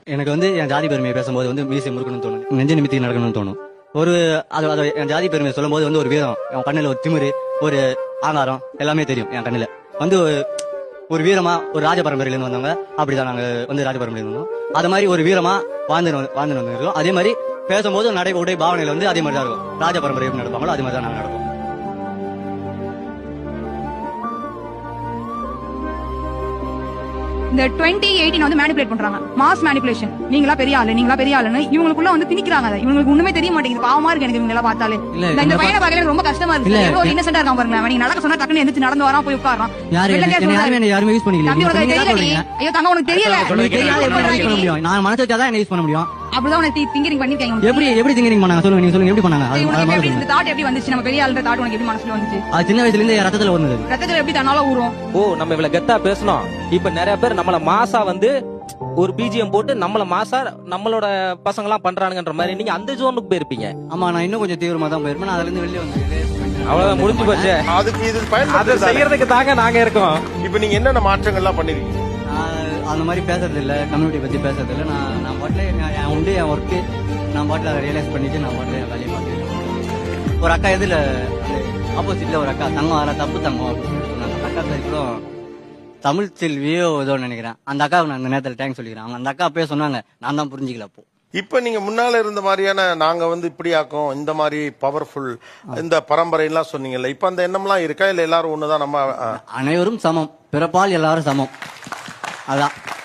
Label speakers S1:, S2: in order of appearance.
S1: எனக்கு வந்து என் ஜாதி பெருமையை பேசும்போது வந்து மீசை முறுக்கணும்னு தோணும், நெஞ்சு நிமித்தி நடக்கணும்னு தோணும். ஒரு அது என் ஜாதி பெருமையை சொல்லும் போது வந்து ஒரு வீரம், என் கண்ணில் ஒரு திமிரு, ஒரு ஆங்காரம் எல்லாமே தெரியும். என் கண்ணில் வந்து ஒரு வீரமா, ஒரு ராஜ பரம்பரையிலேருந்து வந்தவங்க அப்படிதான் நாங்க வந்து ராஜ பரம்பரையில இருந்தோம். அது மாதிரி ஒரு வீரமா வாழ்ந்து வந்துருக்கோம். அதே மாதிரி பேசும்போது நடை உடை பாவனையில வந்து அதே மாதிரி தான் இருக்கும். ராஜ பரம்பரை எப்படி நடப்பாங்களோ அதே மாதிரி தான் நாங்க நடப்போம்.
S2: இந்த 2018 வந்து மேனிபுலேட் பண்றாங்க, மாஸ் மேனிபுலேஷன். நீங்களா பெரிய ஆளுன்னு இவங்களுக்குள்ள வந்து திணிக்கிறாங்க. இவங்களுக்கு ஒண்ணுமே தெரிய மாட்டேங்குது. பாவமா இருக்கு எனக்கு இவங்க எல்லாம் பார்த்தாலே. இந்த பையனை பார்க்கல ரொம்ப கஷ்டமா இருக்கு. எவ்வளவு இன்னசென்ட்டா இருக்கான் பாருங்க. நீங்க நடக்க சொன்னா டக்குன்னு எந்திரிச்சு நடந்து வரான், போய் உட்காரான்.
S1: யாருமே யூஸ் பண்ணிக்கல.
S2: ஐயோ தங்க உனக்கு தெரியல.
S1: நான் மனசு வச்சாதான் என்ன யூஸ் பண்ண முடியும்.
S2: அப்படிதான் உனக்கு திங்கிங் பண்ணிருக்காங்க.
S1: எப்படி திங்கிங் பண்ணாங்க சொல்லுங்க, நீங்க சொல்லுங்க எப்படி பண்ணாங்க.
S2: இந்த தாட் எப்படி வந்துச்சு, நம்ம பெரிய ஆளுன்ற தாட் உனக்கு எப்படி மனசுல வந்துச்சு?
S1: அது சின்ன வயசுல இருந்து ரத்தத்துல வந்தது.
S2: ரத்தத்துல எப்படி தன்னால ஊறும்?
S3: நம்ம இவ்வளவு கெத்தா பேசணும். இப்ப நிறைய பேர் நம்மள மாசா வந்து ஒரு பிஜிஎம் போட்டு நம்மள மாசா நம்மளோட பசங்க எல்லாம் பண்றானுங்கன்ற மாதிரி நீங்க அந்த ஜோனுக்கு போயிருப்பீங்க.
S1: ஆமா, நான் இன்னும் கொஞ்சம் தீவிரமா தான் போயிருப்பேன். அதுல இருந்து வெளியே வந்து
S3: அவ்வளவுதான், முடிஞ்சு போச்சு.
S4: அதுக்கு இது
S3: அதை செய்யறதுக்கு தாங்க நாங்க இருக்கோம்.
S4: இப்ப நீங்க என்னென்ன மாற்றங்கள்லாம் பண்ணிருக்கீங்க?
S1: அந்த மாதிரி பேசுறது இல்ல, கம்யூனிட்டி பத்தி பேசுறது இல்ல. நான் பாட்டுல என் உண்டு என் ஒர்க்கு நான் பாட்டுல அதை ரியலைஸ் பண்ணிட்டு நான் பாட்டுல வேலையை பார்த்துருக்கேன். ஒரு அக்கா எதுல ஆப்போசிட்ல ஒரு அக்கா தங்கம் தப்பு தங்கம் அப்படின்னு சொன்னாங்க. அந்த அக்கா பேர் கூட தமிழ் செல்வியோ ஏதோ நினைக்கிறேன். அந்த அக்காவுக்கு நான் அந்த நேரத்தில் தேங்க்ஸ் சொல்லிக்கிறேன். அந்த அக்கா அப்பயே சொன்னாங்க, நான் தான் புரிஞ்சிக்கல அப்போ.
S4: இப்ப நீங்க முன்னால இருந்த மாதிரியான நாங்க வந்து இப்படி ஆக்கும், இந்த மாதிரி பவர்ஃபுல் இந்த பரம்பரை எல்லாம் சொன்னீங்கல்ல, இப்ப அந்த எண்ணம்லாம் இருக்கா இல்ல எல்லாரும் ஒண்ணுதான்? நம்ம
S1: அனைவரும் சமம், பிறப்பால் எல்லாரும் சமம், அதான்.